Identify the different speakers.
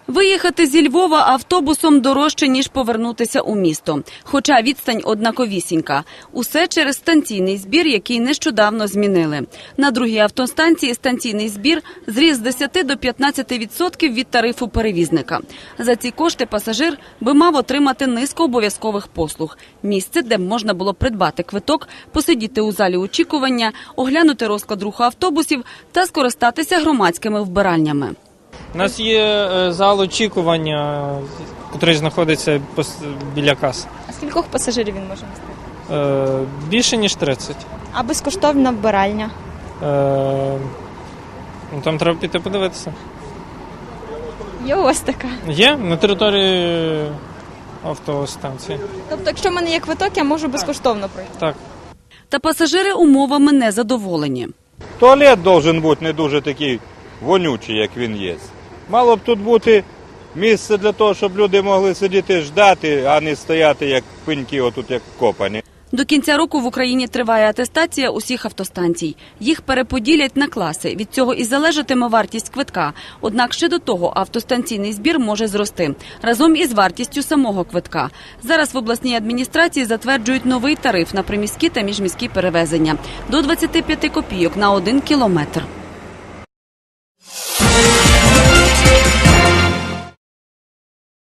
Speaker 1: Виїхати зі Львова автобусом дорожче, ніж повернутися у місто. Хоча відстань однаковісінька. Усе через станційний збір, який нещодавно змінили. На другій автостанції станційний збір зріс з 10 до 15% від тарифу перевізника. За ці кошти пасажир би мав отримати низку обов'язкових послуг. Місце, де б можна було придбати квиток, посидіти у залі очікування, оглянути розклад руху автобусів та скористатися громадськими вбиральнями.
Speaker 2: У нас є зал очікування, який знаходиться біля каси.
Speaker 3: А скількох пасажирів він може нести?
Speaker 2: Більше, ніж 30.
Speaker 3: А безкоштовна вбиральня?
Speaker 2: Там треба піти подивитися.
Speaker 3: Є у вас така?
Speaker 2: Є на території автостанції.
Speaker 3: Тобто, якщо в мене є квиток, я можу безкоштовно пройти?
Speaker 2: Так.
Speaker 1: Та пасажири умовами не задоволені.
Speaker 4: Туалет має бути не дуже такий вонючий, як він є. Мало б тут бути місце для того, щоб люди могли сидіти ждати, а не стояти як пеньки, отут як копані.
Speaker 1: До кінця року в Україні триває атестація усіх автостанцій. Їх переподілять на класи. Від цього і залежатиме вартість квитка. Однак ще до того автостанційний збір може зрости. Разом із вартістю самого квитка. Зараз в обласній адміністрації затверджують новий тариф на приміські та міжміські перевезення. До 25 копійок на 1 кілометр.